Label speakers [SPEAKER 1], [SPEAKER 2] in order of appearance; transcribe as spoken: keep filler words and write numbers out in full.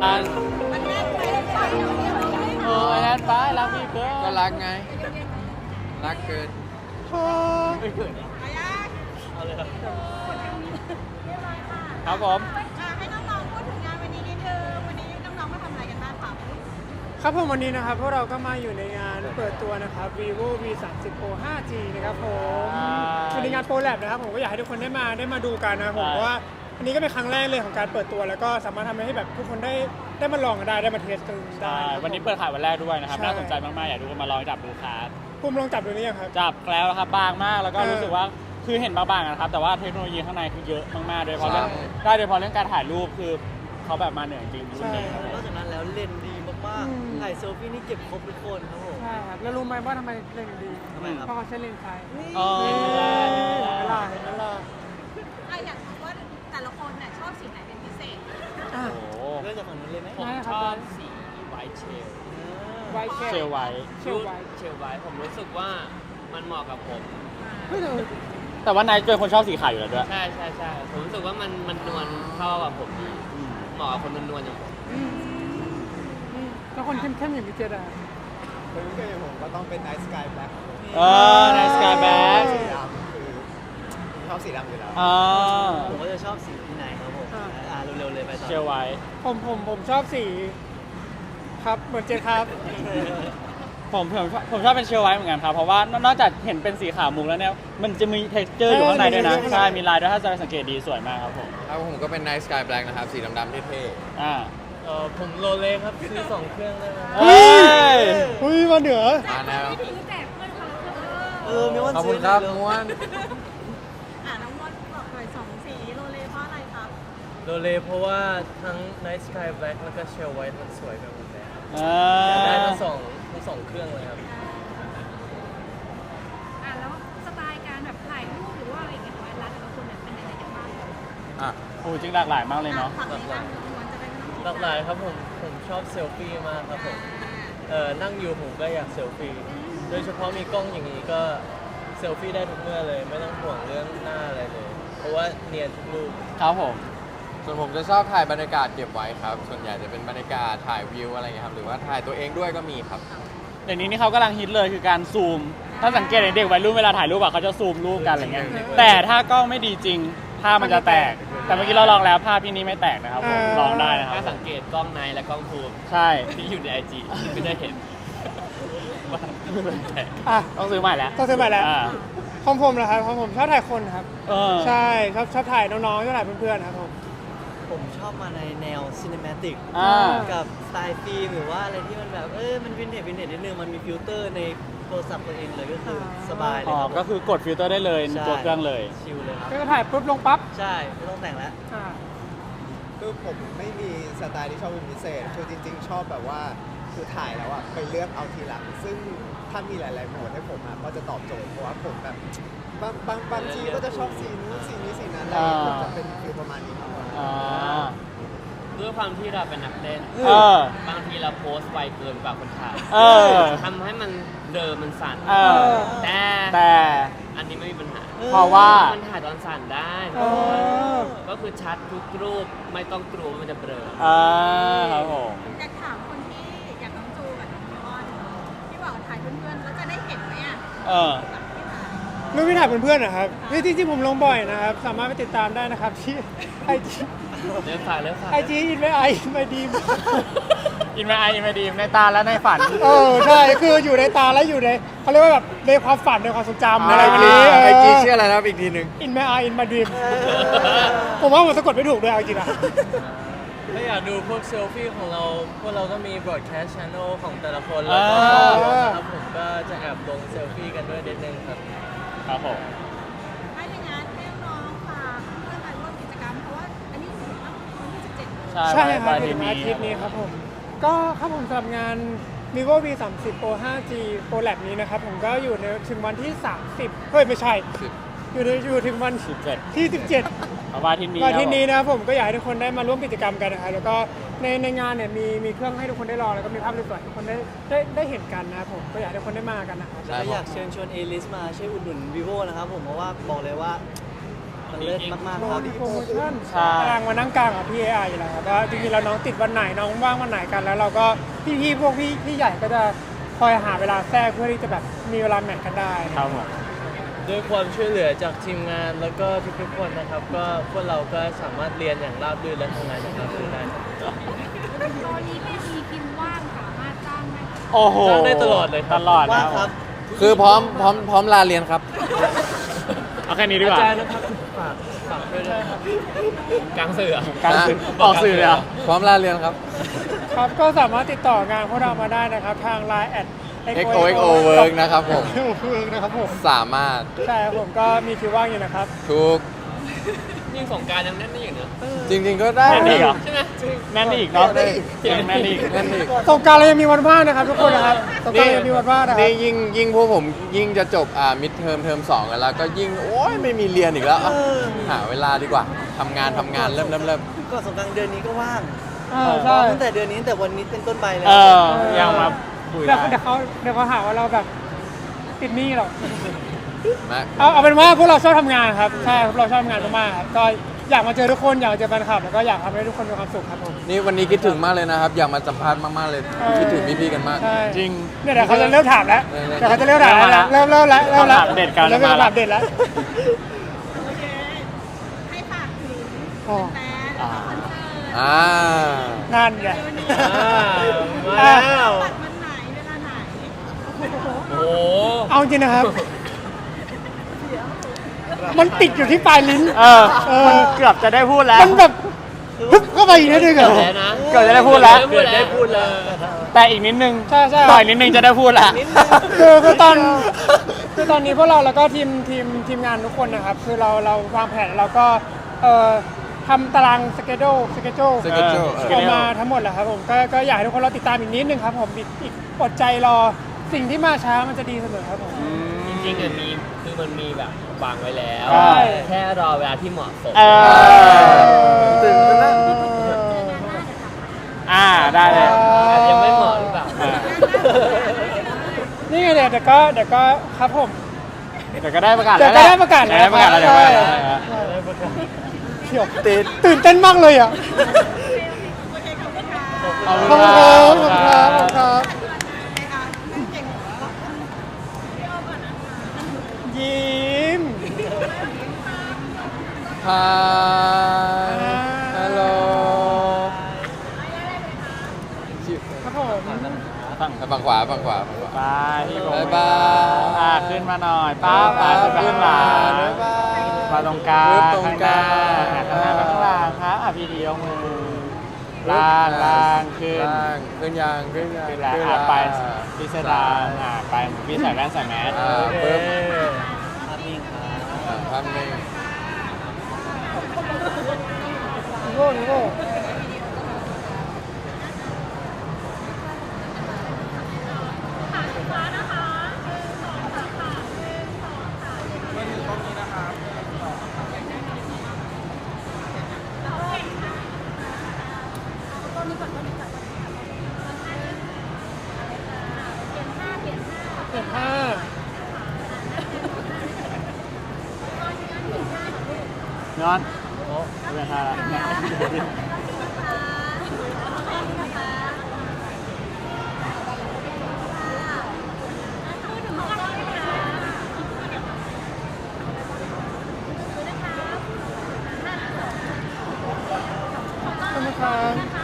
[SPEAKER 1] อัน
[SPEAKER 2] มันแน่นไปหรือเปล่าเดี๋ยวเดี๋ยวเดี๋ยว
[SPEAKER 1] โอ้ยนั่นป้ารักพี่เกิน
[SPEAKER 3] ก็รักไง รักเกิน
[SPEAKER 1] ไม่เกิน
[SPEAKER 2] ไปยัง
[SPEAKER 1] เอาเลยครับ
[SPEAKER 2] เรียบร้อยค่ะ
[SPEAKER 1] ครับผม
[SPEAKER 2] อ่ะให้น้องๆพูดถึงงานวันนี้นิดนึงวันนี้น้องๆมาทำอะไรกันบ้างคะ
[SPEAKER 4] ครับผมวันนี้นะครับพวกเราก็มาอยู่ในงานเปิดตัวนะครับ vivo วี สามสิบ pro ไฟว์จี นะครับผมอยู่ในงาน Pro Lab นะครับผมก็อยากให้ทุกคนได้มาได้มาดูกันนะครับผมเพราะว่าอันนี้ก็เป็นครั้งแรกเลยของการเปิดตัวแล้วก็สามารถทำให้แบบทุกคนได้ได้มาลองกันได้ได้มาเทสกันได้
[SPEAKER 1] ใช่วันนี้เปิดขายวันแรกด้วยนะครับ
[SPEAKER 4] ใช่
[SPEAKER 1] น่าสนใจมากๆ อยากดูกันมาลองจับดูครับ
[SPEAKER 4] ภูมิลองจับดูนี่ยังครับ
[SPEAKER 1] จับแล้วนะครับบางมากแล้วก็
[SPEAKER 4] เออ
[SPEAKER 1] รู้สึกว่าคือเห็นบางๆนะครับแต่ว่าเทคโนโลยีข้างในคือเยอะมากๆโดยเฉพาะ
[SPEAKER 3] ใช่
[SPEAKER 1] เรื่องได้โดยเฉพาะเรื่องการถ่ายรูปคือเขาแบบมาเหนือจริงรุ่นนี้ครับผม
[SPEAKER 5] นอกจากนั้นแล้วเลนส์ดีมาก
[SPEAKER 4] อืม
[SPEAKER 5] ๆ ถ่ายเซลฟี่นี่เก็บครบทุกคนครับผม
[SPEAKER 4] ใช่ครับแล้วรู้ไหมว่าทำไมเลนส์ดี
[SPEAKER 5] ทำไมครับ
[SPEAKER 4] เพราะเขาใช้เลนส์ไฟ
[SPEAKER 1] อ๋อ
[SPEAKER 4] เห็นไหมล่ะเห็นไหมล่ะ
[SPEAKER 2] อ่ะอยากรู้ว่าแต่ละคนเนี่ยชอบสีไหนเป็นพิเศษ
[SPEAKER 4] อ่ะ
[SPEAKER 1] โอ้โห
[SPEAKER 5] เริ่มจากฝั่งนู้นเลยไหม
[SPEAKER 1] ผม
[SPEAKER 4] ได้ค
[SPEAKER 1] ช
[SPEAKER 4] รับ
[SPEAKER 1] อบสีไวท์เชล
[SPEAKER 4] ไวท์เช
[SPEAKER 1] เช
[SPEAKER 4] ล
[SPEAKER 1] ลไวท์
[SPEAKER 4] เชลไวท์
[SPEAKER 6] เชลไว้ผมรู้สึกว่ามันเหมาะกับผม
[SPEAKER 4] เฮ้ยเดี๋ยว
[SPEAKER 1] แต่ว่านายเป็นคนชอบสีขาวอยู่แล้วด้วย
[SPEAKER 6] ใช่ใช่ใช่ผมรู้สึกว่ามันมันนวลเข้ากับผมดีเหมาะกับคนนวลๆอย่างผม
[SPEAKER 4] อืมอืมแล้วคนเข้มๆอย่างพี่เจดอะ
[SPEAKER 7] คนที่เกิดอย่างผมก็ต้องเป็น Night Sky Black
[SPEAKER 1] เออในสกายแบ็ค
[SPEAKER 7] สีดำคือผมชอบสีดำอยู่แล้ว
[SPEAKER 1] อ่า
[SPEAKER 5] ผมก็จะชอบสีที่ไหนครับผม อ่าเร็วๆเลยไปต่อ
[SPEAKER 1] เชลไวท์
[SPEAKER 4] ผมผมผมชอบสีครับเหมือนเจดครับ
[SPEAKER 1] ผมผมชอบผมชอบเป็นเชลไวท์เหมือนกันครับเพราะว่านอกจากเห็นเป็นสีขาวมุกแล้วเนี่ยมันจะมี texture อยู่ข้างในด้วยนะ
[SPEAKER 4] ใช่
[SPEAKER 1] ใช่มีลายด้วยถ้าจะสังเกตดีสวยมากครับผม
[SPEAKER 3] แล้วผมก็เป็น Night Sky Black นะครับ สีดำๆเท่
[SPEAKER 1] อ่า
[SPEAKER 5] เออผมโรเล็กครับซื้อสองเครื่องได้ไหม
[SPEAKER 1] เฮ้ย
[SPEAKER 4] เฮ้ยมาเหนือ
[SPEAKER 3] ๆมาแนว
[SPEAKER 2] ไม่ถือแจกเพื่อนคนละเครื่อง
[SPEAKER 5] เออมีวัน
[SPEAKER 3] ขอบ
[SPEAKER 5] ซื้
[SPEAKER 3] คุ
[SPEAKER 5] อ
[SPEAKER 3] ณครับ
[SPEAKER 5] เลย
[SPEAKER 3] ม้วน
[SPEAKER 2] อ่ะน้องมดบอกหน่อยสองสีโรเลเพราะอะไรครับ
[SPEAKER 5] โรเล็กเพราะว่าทั้ง Night Sky Black แล้วก็ Shell White มันสวยไปหมดเลย
[SPEAKER 1] อ่า
[SPEAKER 5] อยากได้ทั้งสองทั้งสองเครื่องเลยครับ
[SPEAKER 2] อ่ะแล้วสไตล์การแบบถ่ายรูปหรือว่าอะไรอย่างเงี้ยของร้านแต่ละคนเนี่ยเป็นยังไงกันบ้าง
[SPEAKER 3] อ่ะ
[SPEAKER 1] โอ้จริงหลากหลายมากเลยเนาะ
[SPEAKER 2] ฝั่งนี้บ้างน้องมดจะเป็นน้อง
[SPEAKER 5] หลากหลายครับผม ผมชอบเซลฟี่มากครับผม เออนั่งอยู่ผมก็อยากเซลฟี่ โดยเฉพาะมีกล้องอย่างนี้ก็เซลฟี่ได้ทุกเมื่อเลย ไม่ต้องห่วงเรื่องหน้าอะไรเลย เพราะว่าเนียนทุกรูป
[SPEAKER 1] ครับผม
[SPEAKER 3] ส่วนผมจะชอบถ่ายบรรยากาศเก็บไว้ครับ ส่วนใหญ่จะเป็นบรรยากาศถ่ายวิวอะไรเงี้ยครับ หรือว่าถ่ายตัวเองด้วยก็มีครับ
[SPEAKER 1] เดี๋ยวนี้นี่เขากำลังฮิตเลยคือการซูม ถ้าสังเกตเห็นเด็กวัยรุ่นเวลาถ่ายรูปอะเขาจะซูมรูปกันอะไรเงี้ย แต่ถ้ากล้องไม่ดีจริง ภาพมันจะแตก แต่เมื่อกี้เราลองแล้วภาพที่นี้ไม่แตกนะครับผมลองได้นะครับ
[SPEAKER 6] ถ้าสังเกตกล้องในและกล้องภูมิ
[SPEAKER 1] ใช่
[SPEAKER 6] ที่อยู่ในไอจีก็จะเห็นว่ามันแตก
[SPEAKER 4] อ่ะ
[SPEAKER 1] ต้องซื้อใหม่แล้ว
[SPEAKER 4] ต้องซื้อใหม่แล้ว
[SPEAKER 1] า
[SPEAKER 4] ของผมเหรอครับของผมชอบถ่ายคนครับ
[SPEAKER 1] เออ
[SPEAKER 4] ใช่ชอบชอบถ่ายน้องๆชอบถ่ายเพื่อนๆครับผม
[SPEAKER 5] ผมชอบมาในแนวซีนิมาติก
[SPEAKER 1] อ่า
[SPEAKER 5] กับสไตล์ฟิล์มหรือว่าอะไรที่มันแบบ เออมันวินเทจวินเทจนิดนึง มันมีฟิลเตอร์ในโทรศัพท์ตัวเองเลยก็คือสบายเลย
[SPEAKER 1] อ๋อ
[SPEAKER 5] ครับผม
[SPEAKER 1] ก็คือกดฟิลเตอร์ได้เลยใน
[SPEAKER 5] ใช่
[SPEAKER 1] ตัวเครื่องเลย
[SPEAKER 5] ชิลเลยครับ
[SPEAKER 4] ก็ถ่ายปุ๊บลงปั๊บ
[SPEAKER 5] ใช่ ไม่ต้องแต่งแล้ว
[SPEAKER 4] อ่า
[SPEAKER 7] คือผมไม่มีสไตล์ที่ชอบเป็นพิเศษ คือจริง ๆ ชอบแบบว่าคือถ่ายแล้วอะไปเลือกเอาทีหลัง ซึ่งถ้ามีหลาย ๆ โหมดให้ผมอะก็จะตอบโจทย์ เพราะว่าผมแบบบางบางบางทีก็จะชอบสีนู้นสีนี้สีนั้นอะไรอย่างเงี้ย
[SPEAKER 1] อ่า
[SPEAKER 7] จะเป็นฟิลประมาณนี้มากกว่า
[SPEAKER 1] อ่า
[SPEAKER 6] ด้วยความที่เราเป็นนักเต้น
[SPEAKER 1] เออ
[SPEAKER 6] บางทีเราโพสต์ไวเกินกว่าคนถ่าย
[SPEAKER 1] เออ
[SPEAKER 6] ทำให้มันเดิมมันสั่น
[SPEAKER 1] เออ
[SPEAKER 6] แต่
[SPEAKER 1] แต่
[SPEAKER 6] อันนี้ไม่มีปัญหา
[SPEAKER 1] เพราะว่า
[SPEAKER 6] มันถ่ายตอนสั่นได้
[SPEAKER 4] เออ
[SPEAKER 6] ก็คือชัดทุกรูปไม่ต้องกลัวว่ามันจะเบลอ
[SPEAKER 1] อ่าครับผม
[SPEAKER 2] อยากถามคนที่อยากน้องจูกับน้องมอนที่บอกถ่ายเพื่อนๆแล้วจะได้เห็นไหมอ่ะ
[SPEAKER 1] เออ
[SPEAKER 2] แบบที่ถ่าย
[SPEAKER 4] รูปที่ถ่ายเพื่อนๆนะครับนี่จริงๆผมลงบ่อยนะครับ สามารถไปติดตามได้นะครับที่ไอจี
[SPEAKER 6] เริ่มฝากเริ่มฝาก
[SPEAKER 4] ไอจีอินไวไออินไวดีม
[SPEAKER 1] อินมาไออินมาดีในตาและในฝัน
[SPEAKER 4] เออใช่คืออยู่ในตาและอยู่ในเขาเรียกว่าแบบในความฝันในความทรงจำอะไรแบบนี้
[SPEAKER 3] ไอจีชื่ออะไรนะครับอีกทีหนึ่ง
[SPEAKER 4] อินไวไออินมาดีมผมว่าผมสะกดไม่ถูกด้วยเอาจริงๆอะ
[SPEAKER 5] ถ้าอยากดูพวกเซลฟี่ของเรา พวกเราก็มี broadcast channel ของแต่ละคน แล้วก็
[SPEAKER 1] อ่า
[SPEAKER 5] ครับผมก็จะแอบลงเซลฟี่กันด้วยนิดนึงครับ
[SPEAKER 1] ครับผม
[SPEAKER 2] ถ้าอย่างนั้นให้น้องๆฝากเพื่อนมาร่วมกิจกรรมเพราะว่าอันนี้ถึงวันที่สิบเจ็ด
[SPEAKER 1] ใช่
[SPEAKER 4] ใช่ครับ
[SPEAKER 1] วัน
[SPEAKER 4] ถึงอาทิตย์นี้ครับผม ก็ครับผมสำหรับงาน vivo วี สามสิบ pro ไฟว์จี pro lab นี้นะครับผมก็อยู่ในถึงวันที่ สามสิบเฮ้ยไม่ใช่ อยู่ในอยู่ถึงวัน
[SPEAKER 1] สิบเจ็ด
[SPEAKER 4] ที่ สิบเจ็ด
[SPEAKER 1] เอาวันอาทิตย์นี้
[SPEAKER 4] วันอาทิตย์นี้
[SPEAKER 1] ครับ
[SPEAKER 4] นะครับผมก็อยากให้ทุกคนได้มาร่วมกิจกรรมกันนะครับแล้วก็ในในงานเนี่ยมีมีเครื่องให้ทุกคนได้ลองแล้วก็มีภาพสวยๆให้ทุกคนได้ได้ได้เห็นกันนะครับผมก็อยากให้ทุกคนได้มากันนะครับ
[SPEAKER 3] ใช่
[SPEAKER 5] แล้ว
[SPEAKER 3] ค
[SPEAKER 5] อ
[SPEAKER 3] รั
[SPEAKER 5] ยา
[SPEAKER 3] บ
[SPEAKER 5] กเชิญชวน A-list มาช่วยอุดหนุน vivo นะครับผมเพราะว่าบอกเลยว่ามันเลิศมากๆครับ
[SPEAKER 4] โปรโมชั่น
[SPEAKER 1] ใช่
[SPEAKER 4] กำลังมานั่งกลางกับพี่เอไออยู่แล้วครับว่าจริงๆแล้วน้องติดวันไหนน้องว่างวันไหนกันแล้วเราก็พี่ๆพวกพี่พี่ใหญ่ก็จะคอยหาเวลาแทรกเพื่อที่จะแบบมีเวลาแมทกันได้
[SPEAKER 1] ครับผม
[SPEAKER 5] ด้วยความช่วยเหลือจากทีมงานแล้วก็ทุกๆคนนะครับ ก็พวกเราก็สามารถเรียนอย่างราบรื่นและทำงานอย่างราบรื่นได้ครับ
[SPEAKER 2] ตอนนี้ไม่มีคิวว่างสามารถจ้างได้ไหม
[SPEAKER 1] โอ้โห
[SPEAKER 5] จ้างได้ตลอดเลยครับ
[SPEAKER 1] ตลอด
[SPEAKER 5] ว่า
[SPEAKER 1] นะ
[SPEAKER 5] งครับ
[SPEAKER 3] คือพร้อมพร้อมพร้อมลาเรียนครับ
[SPEAKER 1] เอาแค่นี้ดีกว่า
[SPEAKER 5] อาจารย์นะครับฝากฝากด้วยนะครับ
[SPEAKER 6] กลางสื่ออะ
[SPEAKER 1] การสื่อออกสื่อเลยเหรอ
[SPEAKER 3] พร้อมลาเรียนครับ
[SPEAKER 4] ครับก็สามารถติดต่องานพวกเรามาได้นะครับ ทาง ไลน์ แอด
[SPEAKER 3] เอ็กโอ เอ็กโอ Work นะครับผม
[SPEAKER 4] เวิร์กนะครับผม
[SPEAKER 3] สามารถ
[SPEAKER 4] ใช่ครับผมก็มีคิวว่างอยู่นะครับ
[SPEAKER 3] ทุก
[SPEAKER 6] ยิ่งสงกรารยังแน่นไม่อยู่เนอะ
[SPEAKER 3] จริง ๆ ก็ได้
[SPEAKER 1] แน่นอีกเหรอ
[SPEAKER 6] ใช่ไหม
[SPEAKER 1] แน่นอีกเนาะ
[SPEAKER 3] แน่นอีก
[SPEAKER 1] แน่นอีก
[SPEAKER 3] นั่นอีก
[SPEAKER 4] สงกรารเรายังมีวันว่างนะครับทุกคนนะครับสงกรารเรายังมีวันว่างนะครับ
[SPEAKER 3] นี่ยิ่งยิ่งพวกผมยิ่งจะจบอ่ามิดเทอมเทอมสองกันแล้ว ก็ยิ่งโอ้ยไม่มีเรียนอีกแล้วอ่ะหาเวลาดีกว่าทำงานทำงานเริ่มเริ่มเริ่ม
[SPEAKER 5] ก่อนสงกรานต์เดือนนี้ก็ว่าง
[SPEAKER 4] เออใช่
[SPEAKER 5] ตั้งแต่เดือนนี้ตั้งแต่วันนี้เป็นต้นไปเลย
[SPEAKER 1] เออ ยังมาคุย
[SPEAKER 4] เดี๋ยว
[SPEAKER 1] ได้
[SPEAKER 4] เดี๋ยวเขาเดี๋ยวเขาหาว่าเราแบบติดหนี้หรอก
[SPEAKER 3] มา
[SPEAKER 4] เอาเอาเป็นว่าพวกเราชอบทำงานครับใช่พวกเราชอบทำงานมากๆครับก็อยากมาเจอทุกคนอยากมาเจอแฟนคลับแล้วก็อยากทำให้ทุกคนมีความสุขครับผม
[SPEAKER 3] นี่วันนี้คิดถึงมากเลยนะครับ อยากมาสัมภาษณ์มากๆเลย
[SPEAKER 4] เออ
[SPEAKER 3] คิดถึงพี่ๆกันมาก
[SPEAKER 4] ใช่
[SPEAKER 1] จริง
[SPEAKER 4] เนี่ยเดี๋ยวเขาจะเริ่มถามแล้ว
[SPEAKER 3] เออ
[SPEAKER 4] เดี๋ยวเขาจะเริ่มถามแล้วนะเริ่มเริ่มแล้วเริ่มแล้ว
[SPEAKER 1] คำถามเด็ดกำลัง
[SPEAKER 4] เริ่ม
[SPEAKER 1] จะ
[SPEAKER 4] เป็น
[SPEAKER 1] มาแล้ว
[SPEAKER 4] คำถามเด็ดแล้ว
[SPEAKER 2] โอเค ให้ฝากถึง
[SPEAKER 4] อ๋อ
[SPEAKER 2] แฟนแล้วก็คอนเสิร์ต
[SPEAKER 3] อ่า
[SPEAKER 4] นั่นไง
[SPEAKER 5] อ่ามาแล้ว
[SPEAKER 2] บัตรวันไหนเวลาไหน
[SPEAKER 6] โอ้โห
[SPEAKER 4] เอาจริงนะครับ มันติดอยู่ที่ปลายลิ้น
[SPEAKER 1] เออ
[SPEAKER 4] เออ
[SPEAKER 1] มันเกือบจะได้พูดแล้ว
[SPEAKER 4] มันแบบฮึบเข้าไปอีกนิดนึงเหรอ
[SPEAKER 6] แล้วนะ
[SPEAKER 1] เกือบจะได้พูดแล้ว
[SPEAKER 6] เกือบได้พูดแล้ว
[SPEAKER 1] แต่อีกนิดนึง
[SPEAKER 4] ใช่ใช่
[SPEAKER 1] ต่อยนิดนึงจะได้พูดละ
[SPEAKER 4] คือคือตอนคือตอนนี้พวกเราแล้วก็ทีมทีมทีมงานทุกคนนะครับ คือเราเราวางแผนเราก็เอ่อทำตารางสเกจโดสเกจโด
[SPEAKER 3] schedule
[SPEAKER 1] เออ
[SPEAKER 4] ออกมาทั้งหมดแหละครับผมก็ก็อยากให้ทุกคนเราติดตามอีกนิดนึงครับผมอีกอีกอดใจรอสิ่งที่มาช้ามันจะดีเสมอครับผม
[SPEAKER 6] จริงๆอะมีคือมันมีแบบวางไว้แล้ว
[SPEAKER 1] ใช่
[SPEAKER 6] แค่รอเวลาที่เหมาะสม
[SPEAKER 1] เออ
[SPEAKER 3] ตื่นเต้นแล้ว
[SPEAKER 1] อ่า ได้เลย
[SPEAKER 6] อาจจะไม่เหมาะหรือเปล่า
[SPEAKER 1] อ่า
[SPEAKER 4] นี่ไงเดี๋ยวเดี๋ยวก็เดี๋ยวก็ครับผม
[SPEAKER 1] เดี๋ยวก็ได้ประกาศ
[SPEAKER 4] เดี๋
[SPEAKER 1] แล้
[SPEAKER 4] ยว
[SPEAKER 1] ว
[SPEAKER 4] ก็ได้ประกาศแล้ว
[SPEAKER 1] ได้ประกาศแล้วเดี๋ยวได้ประกาศแล้ว
[SPEAKER 4] เที่ยวตื่นตื่นเต้นมากเลยอ่ะ
[SPEAKER 2] โอเคขอบคุณค่ะ
[SPEAKER 1] ขอบ
[SPEAKER 4] ข
[SPEAKER 1] คุ
[SPEAKER 4] อบ
[SPEAKER 1] ณ
[SPEAKER 4] คุณ
[SPEAKER 1] ค
[SPEAKER 4] ค
[SPEAKER 1] รั
[SPEAKER 4] รั
[SPEAKER 1] บบ
[SPEAKER 4] ขอบคุณครับขอบคุณครับ
[SPEAKER 2] ไปอ่ะเก่งเหรอพี่อ้อมก่อนนะคะ
[SPEAKER 4] ยิ้ม
[SPEAKER 3] ฮายฮัลโหล
[SPEAKER 4] ครับผม
[SPEAKER 1] ฝั่ง
[SPEAKER 3] ฝั่งขวาฝั่งขวาฝั่งขวา
[SPEAKER 1] ไปพี่โบ
[SPEAKER 3] บ๊ายบาย
[SPEAKER 1] อ่าขึ้นมาหน่อยป้าป้าขึ้นไปข้างหลัง
[SPEAKER 3] บ๊ายบาย
[SPEAKER 1] มาตรงกลาง
[SPEAKER 3] ปึ๊บตรงกลาง
[SPEAKER 1] ข้างหน้าข้างหน้าไปข้างหลังครับอ่ะพี่ดียกมือล่างล่างขึ้น
[SPEAKER 3] ล่างขึ้นยางขึ้นยาง
[SPEAKER 1] ขึ้นแล้ว
[SPEAKER 3] ขึ้น
[SPEAKER 1] อ่ะ
[SPEAKER 3] แล้ว
[SPEAKER 1] ไปพิสดารอ่ะไปพี่ใส่แว่นใส่แมส
[SPEAKER 3] อ่าปึ๊บ
[SPEAKER 5] ภาพนิ่งครับ
[SPEAKER 3] อ่าภาพนิ่ง
[SPEAKER 4] นิโก้นิโก้
[SPEAKER 2] ต้นนี้ก่อนต้นนี้ก่อนเปลี่ยนท่าเปลี่ยนท่า
[SPEAKER 4] เปลี่ยนผ้า
[SPEAKER 1] นอนโอ้ไม่เป็นไรละ
[SPEAKER 4] ขอบคุณครับ